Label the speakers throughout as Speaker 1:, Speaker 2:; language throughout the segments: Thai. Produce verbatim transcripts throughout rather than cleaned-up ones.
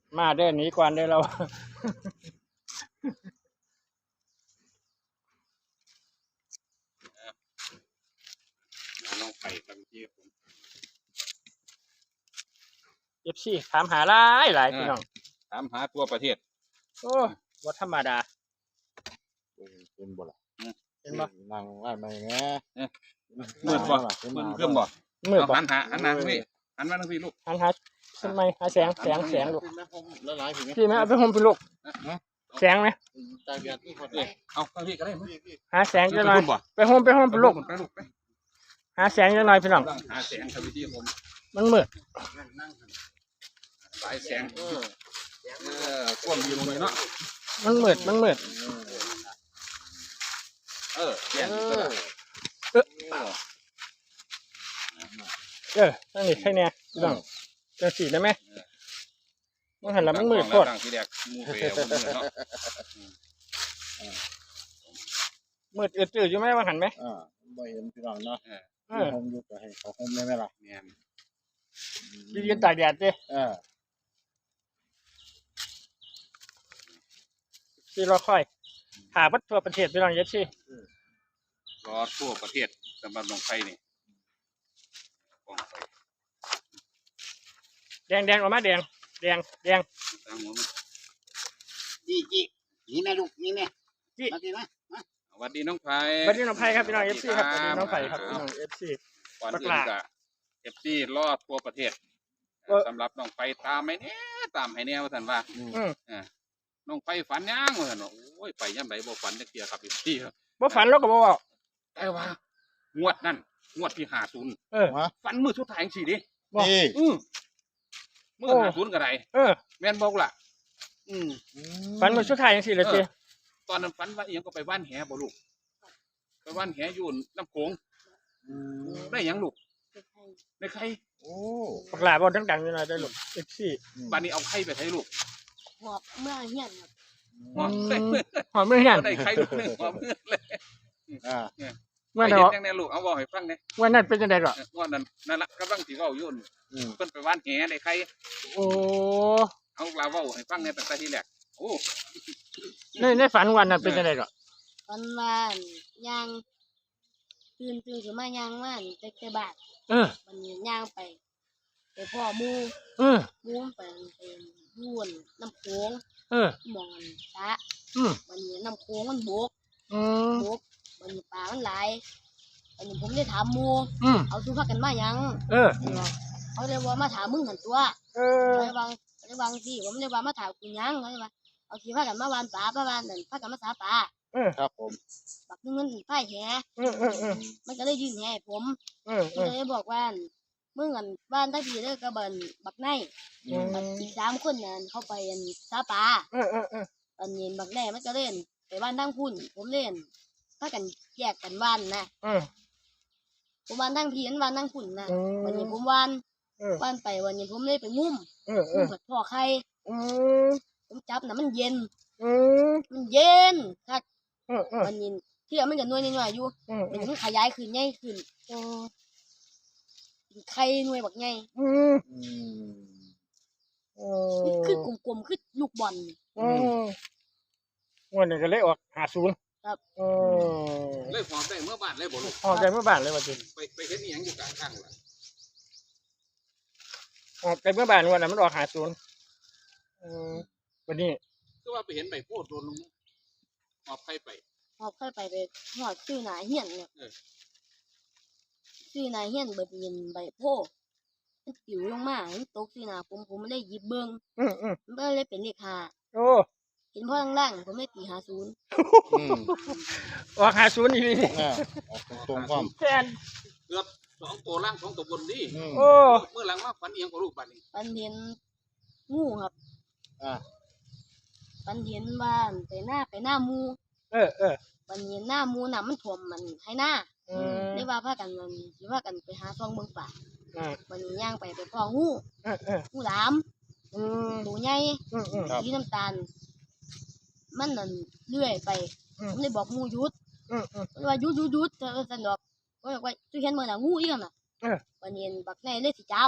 Speaker 1: มาเด้อหนีก่อนเด้อเรา
Speaker 2: ลองไปกันที่ผม
Speaker 1: เอฟซีถามหาหลายหลายพี่น้อง
Speaker 2: ถามหาตัวประเทศ
Speaker 1: โอ้บ่ธรรมดา
Speaker 3: เป็นบ่ล่ะ
Speaker 1: เห็นบ่
Speaker 3: นั่งไล่มาอย่างเงี้ย
Speaker 2: มืดบ่มืดเครื่องบ่
Speaker 1: มืดบ่
Speaker 2: หันหาหันหน้าพี่หันมาทางพี่ลูก
Speaker 1: หันหาทำไมหาแสงแสงแสงลูก
Speaker 3: ละลายถึง
Speaker 1: พี่แม่เอาไปห่มพี่ลูกแสงไหม
Speaker 3: ตาเบียดที่คน
Speaker 2: เอ้ยเอาทางพี่ก็ได้มั้ย
Speaker 1: หาแสงจะหน่อยไปห่มไปห่มพี่ลูก
Speaker 2: ไปลูกไป
Speaker 1: หาแสงจะหน่อยพี่น้อง
Speaker 2: หาแสงทางที่ผม
Speaker 1: มันมืด
Speaker 2: สายแสงเออเออกว้างอยู่ตรงนี้เนาะ
Speaker 1: มันมืดมันมืด
Speaker 2: เออแย่ง
Speaker 3: เอ
Speaker 2: ก็
Speaker 3: อ
Speaker 2: ได้
Speaker 1: เออนั่นนี่ใช่เนี่ยพี่น้องจังสีได้ไหมมันหันแล้วมันมืดโคตร
Speaker 2: ตั้งที่แรกมูเปย์มืดเนาะ
Speaker 1: มืดอืดๆอยู่ไหมว่าหันไหม
Speaker 3: อ่าบ่เห็นพี่น้องเนาะ
Speaker 1: เออ
Speaker 3: ผมอยู่ก็ให้เขาห่มได้ไหมล่ะ
Speaker 2: แม่น
Speaker 1: ยืนตากแดดเด้
Speaker 3: เออ
Speaker 1: ที่รอคอยหาวัดทั่วประเทศพี่น้องเย็ดซี่
Speaker 2: รอทั่วประเทศสำหรับลงไฟนี่กองไฟ
Speaker 1: แดงแดงออกมาแดงแดงแดง
Speaker 2: ตั้งหัวมัน
Speaker 3: จี้จี้นี่แม่ลูกนี่แม่
Speaker 1: จี้
Speaker 3: มาสินะ
Speaker 2: สวัสดีน้องไผ่
Speaker 1: สวัสดีน้องไผ่ครับพี่น้องเอฟซีครับสวัสดีน้องไผ่ครับพี่น้องเอฟซี
Speaker 2: ก่อน
Speaker 1: บัก
Speaker 2: อื่
Speaker 1: ห
Speaker 2: น
Speaker 1: ลา
Speaker 2: ก็เอฟซีรอดทั่วประเทศ
Speaker 1: เออ
Speaker 2: สำหรับน้องไฟตามให้แน่ตามให้แน่ว่าท่านว่า
Speaker 1: อืม
Speaker 2: อ่าน้องไฟฝันยังว่าท่านว่าโอ้ยไปย่ำไหนบ่ฝันจักเที่ยครับเอฟซีครับ
Speaker 1: บ่ฝันแล้วก็บ่เว้า
Speaker 2: แต่ว่างวดนั่นงวดที่ห้าศูนย์
Speaker 1: เออ
Speaker 2: ฝันมือสุดท้ายจังซี่ดิ
Speaker 1: บอก
Speaker 3: นี่
Speaker 2: อือมือ
Speaker 1: โอ้
Speaker 2: ห้าศูนย์ก็ได้
Speaker 1: เออ
Speaker 2: แม่นบอกล่ะ อืม
Speaker 1: ฝันมื้อสุดท้ายจังซี่เลยติ
Speaker 2: ตอนนั้นฝันว่าอีหยังก็ไปว่านแหบ่ลูกไปว่านแหอยู่น้ำโขงได้หยังลูกได้ไข่
Speaker 3: โอ้
Speaker 1: บักหลาบ่ดังๆอยู่หน่อยได้ลูกเอฟซี
Speaker 2: บัดนี้เอาไข่ไปให้ลูก
Speaker 4: หอบเมื่อเฮียนครับ
Speaker 2: หอมได้
Speaker 1: หอมมื้อเฮียน
Speaker 2: ได้ไข่ลูกหนึงหอมเมื่อเลย
Speaker 3: อ่า
Speaker 1: เมื่อ
Speaker 2: ไป
Speaker 1: นั้น
Speaker 2: เห็นจังได๋ลูกเอาเว้าให้ฟังแหน่
Speaker 1: เมื่อนั้นเป็นจังได๋ก็
Speaker 2: เออว่านั้นนั่นล่ะกำลังสิเว้าอยู่นั่น
Speaker 3: อืม
Speaker 2: เพิ่นไปว่านแหได้ไข่
Speaker 1: โอ้
Speaker 2: เอาลาเว้าให้ฟังแหน่ตั้งแต่ทีแรกโอ้
Speaker 1: ในในฝันวันนั้นเป็นจังได๋ก็
Speaker 4: ตอนวานย่างตื่นตื่นขึ้นมาย่างว่านเต็กแต่บาท
Speaker 1: เออ
Speaker 4: วันนี้ย่างไปไปพ่อหมู
Speaker 1: เออ
Speaker 4: หมูมันไปเป็นยุ่นน้ำโขง
Speaker 1: เออ
Speaker 4: หมองอันตะ
Speaker 1: อืม
Speaker 4: วันนี้น้ำโขงมันบก
Speaker 1: อืม
Speaker 4: บกวันนี้ปลามันหลายวันนี้ผมได้ถามหมู
Speaker 1: อืม
Speaker 4: เอาทุพักกันมายัง
Speaker 1: เออ
Speaker 4: เขาเลยว่ามาถามมึงหันตัว
Speaker 1: เออ
Speaker 4: เขาเลยว่าเขาเลยว่าสิผมเลยว่ามาถามกูยังเขาเลยว่าเอาทีพักกันมาวานปลาประวานนั่นพักกันมาสาปลา
Speaker 3: ครับผม
Speaker 4: บักนึงมันพ่ายแห
Speaker 1: เออเออเออ
Speaker 4: มันก็เลยยื่นแหให้ผม
Speaker 1: เออเอ
Speaker 4: มัน
Speaker 1: อ
Speaker 4: ก็เลยบอกว่ามึงอันบ้านตั้งทีเด้อกระเบินบักไน
Speaker 1: อืม
Speaker 4: บักอีกสามคนนั่นเข้าไปอันซาปลา
Speaker 1: เออเออเออ
Speaker 4: ตอนเย็นบักแน่มันก็เล่นไปบ้านทั้งพุ่นผมเล่นถ้ากันแยกกันบ้านนะ
Speaker 1: เออ
Speaker 4: ผมบ้านทั้งทีนั้นบ้านทั้งพุ่นนะ
Speaker 1: อืม
Speaker 4: วันนี้ผมวาน
Speaker 1: เออ
Speaker 4: วานไปวันนี้ผมเลยไปงุ้ม
Speaker 1: เออเอง
Speaker 4: ุ้
Speaker 1: อ
Speaker 4: มผัดพ่อไข่
Speaker 1: อืม
Speaker 4: ผมจับน่ะมันเย็น
Speaker 1: อืม
Speaker 4: มันเย็นคัก
Speaker 1: เออเออ
Speaker 4: วันนี้ที่เรามันก็น้อยน้อยๆอยู่
Speaker 1: อืม
Speaker 4: มันมันขยายขึ้นใหญ่ขึ้นเป็นไข่หน่วยบักใหญ่
Speaker 1: อืม
Speaker 3: อืม
Speaker 1: โอ้
Speaker 4: คือกลมๆคือลูกบอล
Speaker 1: อืมวันนี้ก็เลยออกหาศูนย์
Speaker 4: ครับ
Speaker 1: อืม
Speaker 2: เลยหอมได้เมื่อบ้านเลยบ่ลูก
Speaker 1: ออกใจเมื่อบ้านเลยว่าจริง
Speaker 2: ไปไปเฮ็ดอีหยังอยู่กลางทางล่ะ
Speaker 1: ออกใจเมื่อบ้านวันนั้นมันออกหาศูนย์อืมวันนี้
Speaker 2: คือว่าไปเห็นใบโพดโดนลงหอบไข่ไป
Speaker 4: พอค่อยไปไปหอดชื่อหนาเฮียนเนี่ย
Speaker 2: เออ
Speaker 4: ชื่อหนาเฮียนเบิดเย็นใบโพมันปิวลงมามันตกชื่อหนาผมผมเลยหยิบเบิ้ง
Speaker 1: อืมอืม
Speaker 4: มันก็เลยเป็นเลขห้า
Speaker 1: โอ้
Speaker 4: เห็นพ่อล่างๆผมเลยตีหาศูนย์
Speaker 3: อืม
Speaker 1: ออกหาศูนย์อีนี่
Speaker 3: อ่าออกตรงๆความ
Speaker 1: แทน
Speaker 2: เกือบสองตัวล่างสองตัวบนนี่
Speaker 3: อืม
Speaker 1: โอ้
Speaker 2: เมื่อหลังมาฝันอีหยังกับลูกบัดนี้
Speaker 4: ปันเห็นงูครับ
Speaker 3: อ่า
Speaker 4: ปันเห็นบ้านไปหน้าไปหน้าหมู
Speaker 1: เออเออ
Speaker 4: ปันเห็นหน้าหมูน่ะมันท่วมมันให้หน้า
Speaker 1: อืม
Speaker 4: ได้ว่าพากันมันสิว่ากันไปหาซองเบิ่งป่า
Speaker 1: อ่า
Speaker 4: วันนี้ย่างไปไปพ่องู
Speaker 1: เออเออ
Speaker 4: งูหลาม
Speaker 1: อืม
Speaker 4: ตัวใหญ่
Speaker 1: อืมอืม
Speaker 4: สีน้ำตาล มันนั่นเลื่อยไป
Speaker 1: อืม
Speaker 4: ผมเลยบอกงูหยุด
Speaker 1: อืมอืม
Speaker 4: มันว่าหยุดหยุดหยุดเธอสนดอกก็บอกว่าตุเห็นมือน่ะงูอีกน่ะ
Speaker 1: เออ
Speaker 4: วันนี้บักแน่เลยสิจาม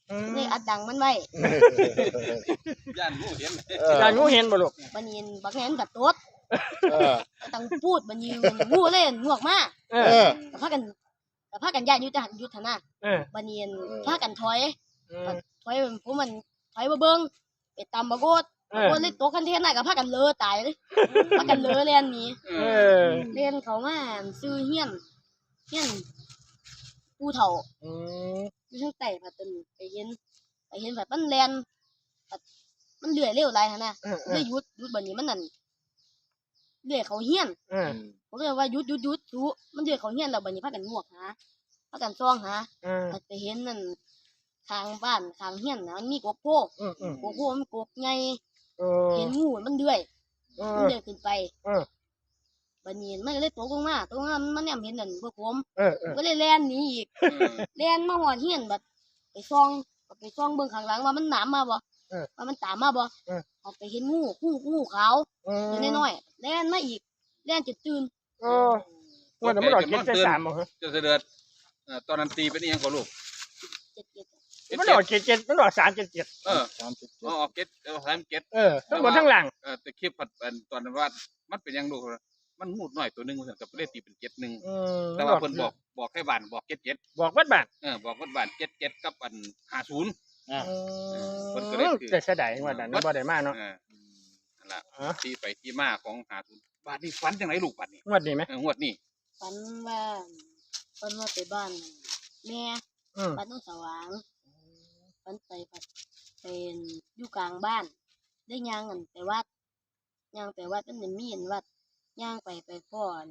Speaker 1: อืม
Speaker 4: เลยอัดดังมันไว้
Speaker 2: ย่านงูเห็น
Speaker 3: เออ
Speaker 1: อยากงูเห็นบ่ลูก
Speaker 4: บัดนี้บักแหนก็ตด
Speaker 3: เออ
Speaker 4: ต้องพูดบัดนี้มันงูเลยงวกมา
Speaker 1: เอ
Speaker 3: เอ
Speaker 1: อ
Speaker 3: อ
Speaker 4: ก็พากันก็พากันย้ายอยู่ทหารยุทธนะ
Speaker 1: เออ
Speaker 4: บัดนี้
Speaker 3: เออ
Speaker 4: พากันถอย
Speaker 1: เออ
Speaker 4: ถอยผมมันถอยมาเบิ่งไปตำบักโกด
Speaker 1: เอ
Speaker 4: บัก
Speaker 1: อ
Speaker 4: โกดเลยตกคันเทนน่ะก็พากันเลอตายเลยพากันเลอเล่นหนี
Speaker 2: เอ
Speaker 1: เอ
Speaker 2: อ
Speaker 1: อ
Speaker 4: เล่นเขามาซื้อเฮียนเฮียนผู้เฒ่า
Speaker 1: อืม
Speaker 4: อยู่ทางใต้พัดตนไปเห็นไปเห็นพัดมันแล่นพัดมันเลื่อยเร็วหลายหั่นน่ะ
Speaker 1: เออเอ
Speaker 4: เล
Speaker 1: อย
Speaker 4: หยุดหยุดบัดนี้มันนั่นเลื่อยเขาเฮียน
Speaker 1: เออ
Speaker 4: ผมเลยว่าหยุดหยุดหยุดทุมันเลื่อยเขาเฮียนแล้วบัดนี้พากันงวกหาพากันซ่องหา
Speaker 1: เออ
Speaker 4: พัดไปเห็นนั่นข้างบ้านข้างเฮียนน่ะมันมีกกโพ
Speaker 1: อืมอืม
Speaker 4: กกโพมันกกใหญ่
Speaker 1: เออ
Speaker 4: เห็นงูมันเลื่อย
Speaker 1: เอ
Speaker 4: มัน
Speaker 1: อ
Speaker 4: เลื่อยขึ้นไป
Speaker 1: เออ
Speaker 4: บัดนี้มันก็เลยตกลงมาตกลงมามันเนี่ยเห็นนั่นพวกผม
Speaker 1: เออเออ
Speaker 4: ก็เลยแล่นหนีอีกแล่นมาหอดเฮียนบัดไปซ่องไปซ่องเบิ่งข้างหลังว่ามันหนามมาบ่ว่ามันตามมาบ่ออกไปเห็นงูงูงูขาว
Speaker 1: เออ
Speaker 4: ตัวน้อยๆแล่นมาอีกแล่นจนตื่น
Speaker 1: เออว่าแต่มันดอกเก็ดใจสามบ่ฮะ
Speaker 2: เจะเสด็จเอ่อตอนนั้นตีเป็นอีหยังก็ลูก
Speaker 4: เจ็ดเจ็ด
Speaker 1: มันดอกเจ็ดเจ็ดมันดอกสามเจ็ดเจ็ด
Speaker 2: เออ
Speaker 3: สามสิบเจ็
Speaker 2: อ๋
Speaker 3: ด
Speaker 2: อเก็ตเออสามเก็ต
Speaker 1: เออทั้งบนทั้งหลัง
Speaker 2: เออแต่คลิปผัดอันตอนนั้นว่ามันเป็นหยังลูกมันงูหน่อยตัวหนึงมันกับเลขตีเป็นเจ็ดหนึ่ง
Speaker 1: อืม
Speaker 2: แต่ว่าเพิ่นบอกบอกให้บ้านบอกเจ็ดเจ็ด
Speaker 1: บอกวัดบ้าน
Speaker 2: เออบอกว่าบ้านเจ็ดเจ็ดกับอันห้าศูนย์
Speaker 3: อ่ะ
Speaker 2: เพิ่นก็เลยคือ
Speaker 1: แต่เสียดายว่านั้นบ่ได้มาเนาะ
Speaker 2: เออนั่นล่ะ
Speaker 1: อ๋อ
Speaker 2: ที่ไปที่มาของห้าศูนย์บาทนี้ฝันจังไหนลูกบาทนี้
Speaker 1: งวดนี้ไหม
Speaker 2: เอองวดนี้
Speaker 4: ฝันว่าฝันว่าไปบ้านแม่
Speaker 1: อืม
Speaker 4: บ้านโน้นสว่างฝันไปผัดเป็นอยู่กลางบ้าน ได้ย่างกันไปวัดย่างไปวัดมันจะมีเห็นวัดย่างไปไปพ่อน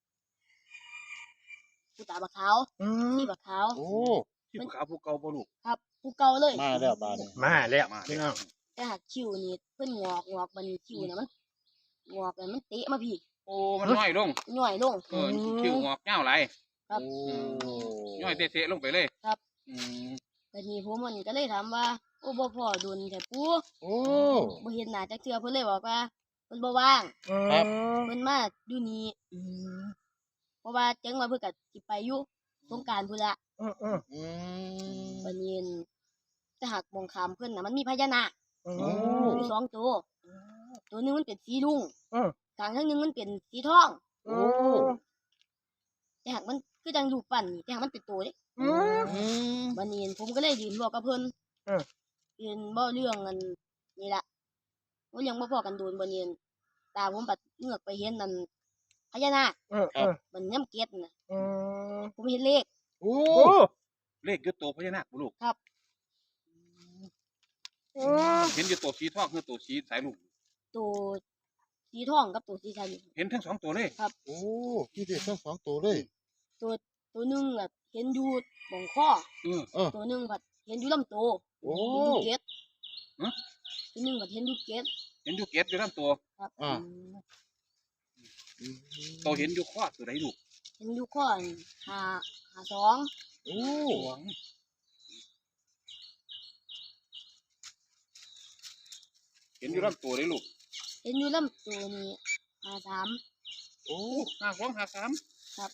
Speaker 4: ผู้ตาบักขาว
Speaker 1: อืม
Speaker 4: ที่บักขาว
Speaker 3: โอ้
Speaker 2: ที่ขาวผู้เก่าบ่ลูก
Speaker 4: ครับผู้เก่าเลย
Speaker 3: มาแล้วบาดนี้
Speaker 1: มาแล้ว
Speaker 2: มา
Speaker 1: พี่
Speaker 2: แล้
Speaker 1: น้อ
Speaker 2: ว
Speaker 1: ง
Speaker 4: แต่หากคิวนี่เพิ่นงอกงอกบัดนคิวน่ะมันงอกแล้วมันเตะมาพี่
Speaker 2: โอ้มันน้อยลง
Speaker 4: ย่อยลง
Speaker 2: เออคิวงอกเงาหลาย
Speaker 4: ครับ
Speaker 3: โอ้
Speaker 2: ย่อยเตะๆลงไปเลย
Speaker 4: ครับ
Speaker 2: อืม
Speaker 4: บัดนี้ผมมันก็เลยถามว่าโอ้บ่พอดุลแต่ปู่
Speaker 3: โอ้
Speaker 4: บ่เห็นหน้าจักเทื่อเพิ่นเลยบอกว่าเพิ่นบ่ว่าง
Speaker 3: ครับ
Speaker 4: เพิ่นมาอยู่นี่
Speaker 1: อืม
Speaker 4: เพราะว่าจังว่าเพิ่นก็สิไปอยู่สงกรานต์พุ่นละ
Speaker 1: อืมอืม
Speaker 3: อืม
Speaker 4: บัดนี้แต่หากมองขามเพิ่นน่ะมันมีพญานาค
Speaker 1: อื
Speaker 3: โอ้
Speaker 1: ม
Speaker 4: อยู่สองตัวตัวหนึงมันเป็นสีลุง
Speaker 1: อืม
Speaker 4: กลางทั้งหนึงมันเป็นสีทอง
Speaker 1: โอ้
Speaker 4: แต่หากมันคือจังรูปปั้นนี่แต่หากมันเป็นตัวเด้
Speaker 1: อืม
Speaker 3: อืม
Speaker 4: บัดนี้ผมก็เลยยืนบอกกับเพิ่น
Speaker 1: เออ
Speaker 4: ยืนบ่เรื่องอันนี่ล่ะบ่เรื่องบ่พอกันโดนบัดนี้ตาผมปัดเงือกไปเห็นนั่นพญานาค
Speaker 1: เออเออ
Speaker 4: มันย่ำเกล็ดน่ะ
Speaker 1: อืม
Speaker 4: ผมเห็นเลข
Speaker 3: โอ้
Speaker 1: โอ้
Speaker 2: เลขอยุตโตพญานาคบ่ลูก
Speaker 1: อืม
Speaker 2: เห็นอยุตโตสีทองคือโตสีสายลูก
Speaker 4: ตัวสีทองกับตัวสีชัน
Speaker 2: เห็นทั้งสองตัวเลย
Speaker 3: โอ้พี่เด็กทั้งสองตัวเลย
Speaker 4: ตัวตัวหนึงอ่ะเห็นอยู่บ่งข้อ
Speaker 2: เออ
Speaker 3: เออ
Speaker 4: ตัวหนึงผัดเห็นอยู่ลำตัว
Speaker 3: โอ้
Speaker 4: เห็นอยู่เกล็ด
Speaker 2: ฮะ
Speaker 4: ตัวหนึงผัดเห็นอยู่เกล็ด
Speaker 2: เห็นอยู่เกตอยู่ทั้งตัว
Speaker 4: ครับ
Speaker 3: อ่า
Speaker 4: อืม
Speaker 2: โตเห็นอยู่ข้อตัวไหนลูก
Speaker 4: เห็นอยู่ข้อนี่หาหาสอง
Speaker 3: โอ้
Speaker 2: สองเห็นอยู่ลำตัวเลยลูก
Speaker 4: เห็นอยู่ลำตัวนี่หาสาม
Speaker 3: โอ้
Speaker 2: ห้าสองห้าสาม
Speaker 4: ครับ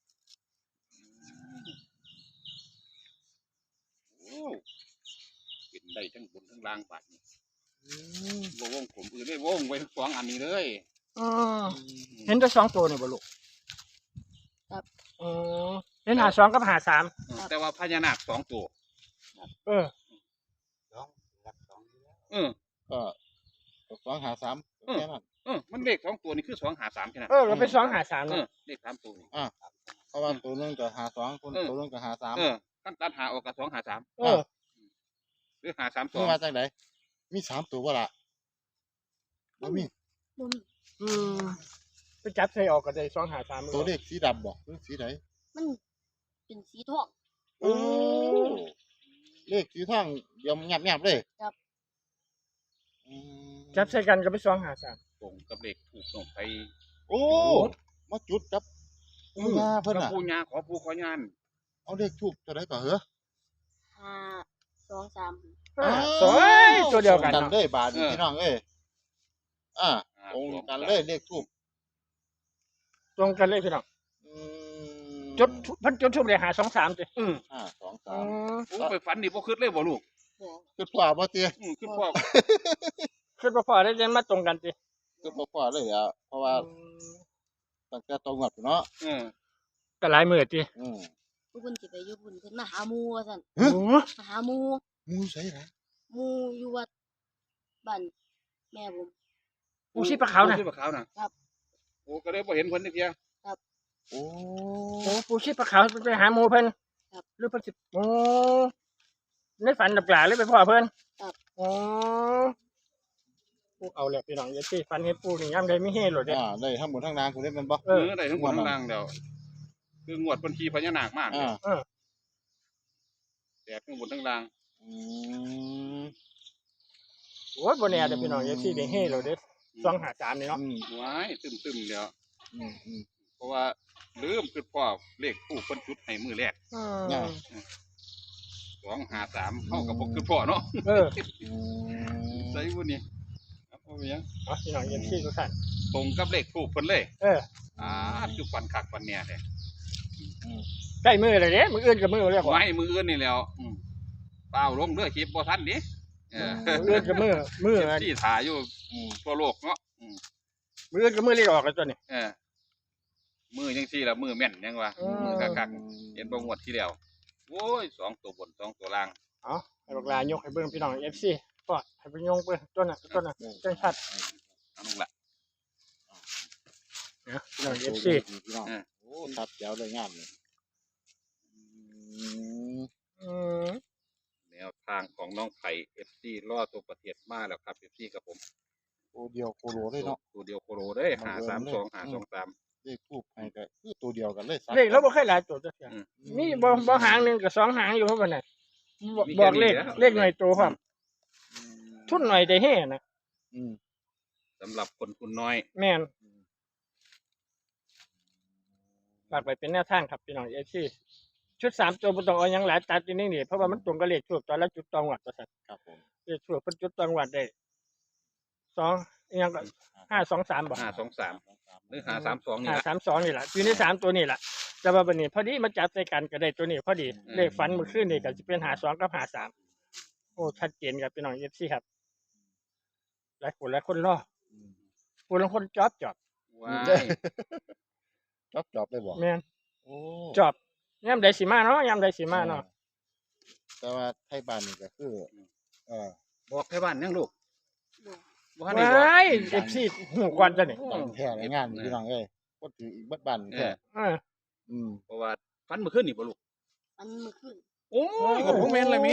Speaker 2: โอ้เป็นได้ทั้งบนทั้งล่างบาดนี้
Speaker 3: อืม
Speaker 2: บ่วงผมอื่นเลยวงไว้ทั้งสองอันนี้เลย
Speaker 1: อืมเห็นแต่สองตัวนี่บ่ลูก
Speaker 4: ครับ
Speaker 1: อืมเห็นหาสองกับหาสาม
Speaker 2: เออแต่ว่าพญานาคสองตัว
Speaker 1: เออ
Speaker 2: เออ
Speaker 3: ก็สองหาสาม
Speaker 2: เออ
Speaker 3: แค่นั้น
Speaker 2: เออมันเลขสองตัวนี่คือสองหาสามแค่นั้น
Speaker 1: เออก็เป็นสองหาสาม
Speaker 2: เอ
Speaker 1: เนาะ
Speaker 2: อเลขสามตัวนี่
Speaker 3: เพราะว่าตัวหนึงก็หาสองคน
Speaker 2: เออ
Speaker 3: ตัวหนึงก็หาสาม
Speaker 2: เออขั้นตัดหาออกกับสองหาสาม
Speaker 1: เออ
Speaker 2: หรือหาสามสอ
Speaker 3: นี่
Speaker 2: ง
Speaker 3: มาจากไหนมีสามตัวบ่ล่ะบ่มี
Speaker 4: บ่มี
Speaker 1: อืมไปจับใส่ออกก็ได้สองหาสาม
Speaker 3: ตัวเลขสีดำบ่หรือสีไหน
Speaker 4: มันเป็นสีทอง
Speaker 3: โอ้เลขสีทองเดี๋ยวงับงับๆเลย
Speaker 4: ครับ
Speaker 3: อืม
Speaker 1: จับใส่กันก็เป็นสองหาสาม
Speaker 2: ตรงกับเลขถูกส่งไป
Speaker 3: โอ้มาจุดกับปูยาเพิ่น
Speaker 2: กับ
Speaker 3: น่ะ
Speaker 2: ผู้ญาขอผู้ขอยาน
Speaker 3: เอาเลขทูบเท่าไหร่ก็เหรอ
Speaker 4: ห้าสองสาม
Speaker 1: อ่าสวยตัวเดียวกัน
Speaker 3: กัน
Speaker 1: เนาะ
Speaker 3: เลยบาทนี่พี่น้องเอ้ยอ่า
Speaker 2: อ่า
Speaker 3: ตรงกันเลยเลขทูบ
Speaker 1: ตรงกันเลยพี่น้อง
Speaker 3: อืม
Speaker 1: จุดเพันจุดทุบเลยหาสองสามสิ
Speaker 2: เออ
Speaker 3: ห้าสอง
Speaker 1: อื
Speaker 3: สาม
Speaker 1: ม
Speaker 2: โอ้ไปฝันนี่บ่คิดเลยบ่ลูก
Speaker 4: บ่
Speaker 3: คือพ่อบ่ติ
Speaker 2: อืมคือพ่อ
Speaker 1: คือบ่พอได้เรียนมาตรงกันติ
Speaker 3: คือบ่พ่อเลยอ่ะเพราะว่าตั้งแต่ตรงวัดเนาะ
Speaker 2: เออ
Speaker 1: ก็หลายมื้อติ
Speaker 3: อืม
Speaker 4: ผู้เพิ่นสิไปอยู่พุ่นเพิ่นมาหาหมู่ว่าซั่น
Speaker 1: โอ้
Speaker 4: มาหาหมู่
Speaker 3: หมูใส่ล่ะ
Speaker 4: หมู่อยู่วัดบ้านแม่ผม
Speaker 1: ปูชีพขาวน่ะ
Speaker 2: ปูชีพขาวน่ะครับโอ้ก็เลยบ่เห็นเพิ่นจักเที่ย
Speaker 3: โอ้
Speaker 1: โอ้ปูชีพขาวไปหาหมู่เพิ่น
Speaker 4: ครับ
Speaker 1: หรือเพิ่นสิโอ้ในฝันดับหลาเลยไปพ่อเพิ่น
Speaker 4: ครับ
Speaker 1: โอ้ปูเอาแล้วพี่น้องอย่าสิฝันเห็นปูนี่ยามใดมีเฮโลดเด้
Speaker 3: อ่าได้ทั้งหมดทั้งนางคุณได้แมันบ่
Speaker 1: เอ
Speaker 2: เอ
Speaker 1: อ
Speaker 2: อได้ทั้งหมดทั้งนางแล้วคืองวดเพิ่นขี่พญานาคมาก
Speaker 3: อ่า
Speaker 1: เออ
Speaker 2: แตกทั้งหมดทั้งนาง
Speaker 3: อืม
Speaker 1: โอ้ยบ่แน่เด้อพี่น้องอย่าสิได้เฮโลดเด้สองห้าสามนี่เนาะ
Speaker 3: อืม
Speaker 2: ว้ายตึมๆแล้ว
Speaker 3: อืมอืม
Speaker 2: เพราะว่าลืมคือพ่อเลขผู้เพิ่นจุดให้มือแรก
Speaker 1: อื
Speaker 3: น่ะ
Speaker 1: ม
Speaker 2: สองห้าสามเฮากับบ่คือพ่อเนาะ
Speaker 1: เออ
Speaker 3: อืม
Speaker 2: ใส่บ่นี่ครับเอาไปยัง
Speaker 1: เอาพี่น้องอย่าสิทุกท่าน
Speaker 2: ตรงกับเลขผู้เพิ่นเลย
Speaker 1: เออ
Speaker 2: อ่าคือฟันคักฟันแน่แท้
Speaker 3: อืม
Speaker 1: ใกล้มือเลยเด้มื้ออื่นก็มือแล้วพ่อ
Speaker 2: ไว้มืออื่นนี่แล้วอืมเปล่าลงเด้อคลิปบ่ทันดิเออ
Speaker 1: มื้ออื่นก็มือมือ
Speaker 2: ที่ถ่ายอยู่
Speaker 3: อืม
Speaker 2: ทั่วโลกเนาะอืม
Speaker 1: มื้ออื่นก็มือเลขออกแล้วตัวนี้
Speaker 2: เออมือจังซี่ละมือแม่นยังวะ
Speaker 1: อืม
Speaker 2: มือคักๆเห็นบ่งวดที่แล้วโอ้ยสองตัวบนสองตัวล่าง
Speaker 1: เอาให้บักลายกให้เบิ่งพี่น้อง เอฟ ซี ก็ให้ไปยงเบิ่งต้นน่ะต้นน่ะจังชัด
Speaker 2: เอานั่นละ
Speaker 1: นะพี่น้อง เอฟ ซี
Speaker 3: พี่น้อง
Speaker 2: เออ
Speaker 3: โอ้ตัดแจ๋วเลยงามเลยอืม
Speaker 1: อืม
Speaker 2: แนวทางของน้องไผ่ เอฟ ซี ล่อตัวประเทศมาแล้วครับ เอฟ ซี กับผม
Speaker 3: ตัวเดียวโคโลเลยเนาะ
Speaker 2: ตัวเดียวโคโรเด้ห้าสามสองห้าสองสาม
Speaker 3: เลขทูบให้ก็คือตัวเดียวกันเลยสัก
Speaker 1: เลขเราบ่เคยหลายตัวจักเทื่อ
Speaker 2: อืม
Speaker 1: มีบ่บ่หางหนึงกับสองหางอยู่เพราะว่าน่ะบ
Speaker 2: มี
Speaker 1: บ
Speaker 2: แค่
Speaker 1: อกเลข
Speaker 2: นี้แล้ว
Speaker 1: เลขหน่อยตัวพร้อมทุนหน่อยแต่เฮนะ
Speaker 3: อืม
Speaker 2: สำหรับคนทุนน้อย
Speaker 1: แม่นฝากไปเป็นแนวทางครับพี่น้อง เอฟ ซี ชุดสามตัวบ่ต้องเอาหยังหลายตัดอยู่นี่นี่เพราะว่ามันตรงกับเลขทูบตอนละจุดตองวัดว่าซั่น
Speaker 3: ครับผม
Speaker 1: เลขทูบเพิ่นจุดตองวัดได้สองอีหยังก็ห้าสองสามบ่
Speaker 2: ห้าสองสามหรือห้าสามสองนี่
Speaker 1: ห้า
Speaker 2: ละ
Speaker 1: สามสองนี่แหละอยู่ในสามตัวนี่แหละแต่ว่าบันนี้พอดีมาจับใส่กันก็ได้ตัวนี้พอดี
Speaker 2: อืม
Speaker 1: เลขฝันเมื่อคืนนี่ก็จะเป็นหาสองกับหาสามโอ้ชัดเจนครับพี่น้องเอฟซีครับหลายคนหลายคนรอ
Speaker 3: อืม
Speaker 1: ผู้ลางคนจอบจอบ
Speaker 2: ว้าย
Speaker 3: จอบจอบเลยบ่
Speaker 1: แม่น
Speaker 3: โอ้
Speaker 1: จอบยามใดสิมาเนาะยามใดสิมาเนาะ
Speaker 3: แต่ว่าไทยบ้านนี่ก็คือเออ
Speaker 2: บอกให้บ้านยังลูก
Speaker 4: บ่
Speaker 2: บ่ทันได้บอก
Speaker 1: ว้ายเอฟซีหูกวนจ้ะนี่
Speaker 3: บ้านแท้ในงานพี่น้องเอ้ยก็ถืออีกบัดบ้าน
Speaker 2: เอ
Speaker 3: แท้
Speaker 2: อ
Speaker 1: เออ
Speaker 3: อืม
Speaker 2: เพราะว่าฟันเมื่อคืนนี่บ่ลูก
Speaker 4: อันเมื่อคืน
Speaker 2: โอ้ยก็ผมแม่นเลยแม่